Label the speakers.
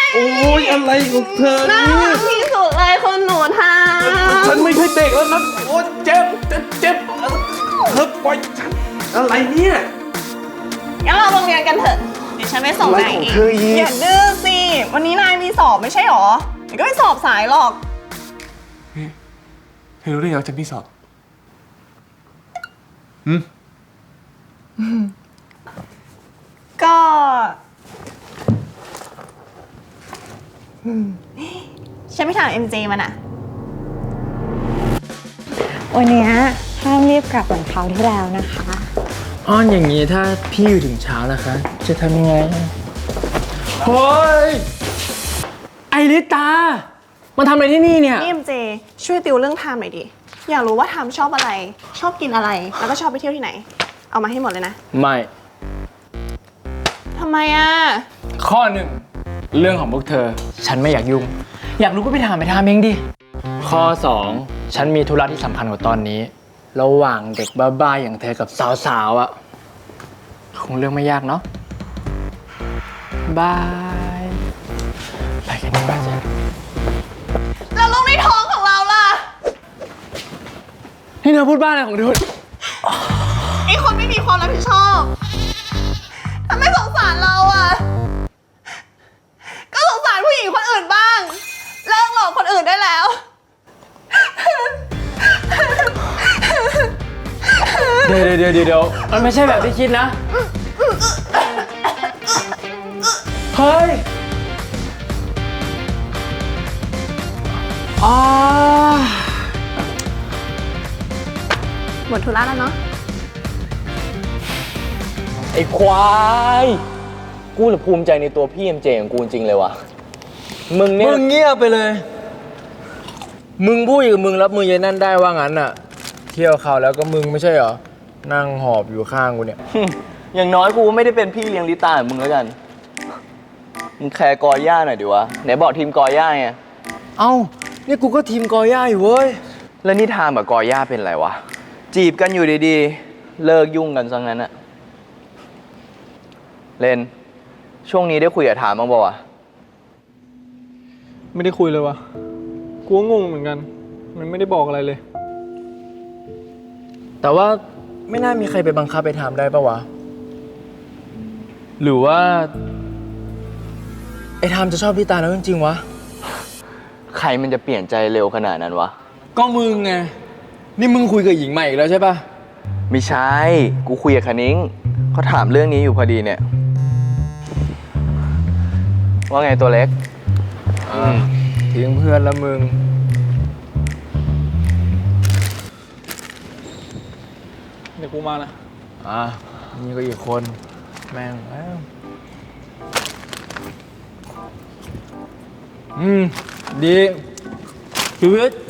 Speaker 1: โอ้ยอะไรของเธอ
Speaker 2: น่า
Speaker 1: เนี่
Speaker 2: รั
Speaker 1: ย
Speaker 2: กที่สุดเลยคนหนูทำ
Speaker 1: ฉันไม่ใช่เด็กแล้วนะโอ้ยเจ็บเจ็บเธอปล่อยฉันอะไรเนี่ย
Speaker 2: งั้นเราโรงเรียนกันเถอะ เดี๋ยวฉันไปส่ง
Speaker 1: อะไร
Speaker 2: นาย
Speaker 1: ของ
Speaker 2: เอ
Speaker 1: เธออี
Speaker 2: ง
Speaker 1: ก
Speaker 2: อย่าดื้อสิ วันนี้นายมีสอบไม่ใช่หรอเดี๋ยวก็ไปสอบสายหรอก
Speaker 1: เธอรู้ได้ยังฉันที่สอบ
Speaker 2: ก็ฉันไปถาม MJ มันอะ
Speaker 3: วันนี้ห้ามรีบกลับเหมือนคราวที่แล้วนะคะ
Speaker 4: อ้อนอย่างนี้ถ้าพี่อยู่ถึงเช้านะคะ จะทำยังไงเฮ้ยไอริตามาทำอะไรที่นี่เนี่ย
Speaker 2: นี่ MJ ช่วยติวเรื่องไทม์หน่อยดิ อยากรู้ว่าไทม์ชอบอะไร ชอบกินอะไร แล้วก็ชอบไปเที่ยวที่ไหน เอามาให้หมดเลยนะ
Speaker 4: ไม่
Speaker 2: ทำไมอะ
Speaker 4: ข้อหนึ่งเรื่องของพวกเธอ ฉันไม่อยากยุ่ง อยากรู้ก็ไปถามเองดิ ข้อ 2 ฉันมีธุระที่สำคัญกว่าตอนนี้ ระหว่างเด็กบ้าๆอย่างเธอกับสาวๆอะคงเรื่องไม่ยากเนาะบายไปกันดีกว่าจ้ะ
Speaker 2: แล้วลูกในท้องของเราล่ะ
Speaker 4: นี่เธอพูดบ้าอะไรของเธอ
Speaker 2: ไอคนไม่มีความรับผิดชอบทำไมสงสารเราอะก็สงสารผู้หญิงคนอื่นบ้าง เลิกหลอกคนอื่นได้แล้ว
Speaker 4: เดี๋ยวมันไม่ใช่แบบที่คิดนะ เฮ้ยอ๋อ
Speaker 2: หมดธุระแล้วเนาะ
Speaker 5: ไอ้ควาย กูจะภูมิใจในตัวพี่เอ็มเจของกูจริงเลยวะมึงเนี่ย
Speaker 4: มึงเงียบไปเลย มึงพูดกับมึงรับมือยายนั่นได้ว่างั้นน่ะ เที่ยวเขาแล้วก็มึงไม่ใช่เหรอ นั่งหอบอยู่ข้างกูเนี่ย
Speaker 5: อย่างน้อยกูไม่ได้เป็นพี่เลี้ยงลิต้าเหมือนมึงแล้วกัน มึงแคร์กอย่าหน่อยดิวะ ไหนบอกทีมกอย่าไง
Speaker 4: เอ้า นี่กูก็ทีมกอย่าอยู่เว้ย
Speaker 5: แล้วนี่ทามกับกอย่าเป็นไรวะ จีบกันอยู่ดีๆ เลิกยุ่งกันซะงั้นอะเลน ช่วงนี้ได้คุยกับทามบ้างป่าวะ
Speaker 6: ไม่ได้คุยเลยวะกูก็งงเหมือนกัน มันไม่ได้บอกอะไรเลย
Speaker 4: แต่ว่าไม่น่ามีใครไปบังคับไปทำได้ปะวะ หรือว่า ไอ้ทามจะชอบพี่ตาแล้วจริงๆวะ
Speaker 5: ใครมันจะเปลี่ยนใจเร็วขนาดนั้นวะ
Speaker 4: ก็มึงไง นี่มึงคุยกับหญิงใหม่อีกแล้วใช่ปะ
Speaker 5: ไม่ใช่ กูคุยกับคณิ้งเขาถามเรื่องนี้อยู่พอดีเนี่ย ว่าไงตัวเล็ก
Speaker 4: ทิ้งเพื่อนแล้วมึง
Speaker 6: เดี๋ยวกูมานะ
Speaker 4: นี่ก็อีกคน แม่งแล้วดีชีวิต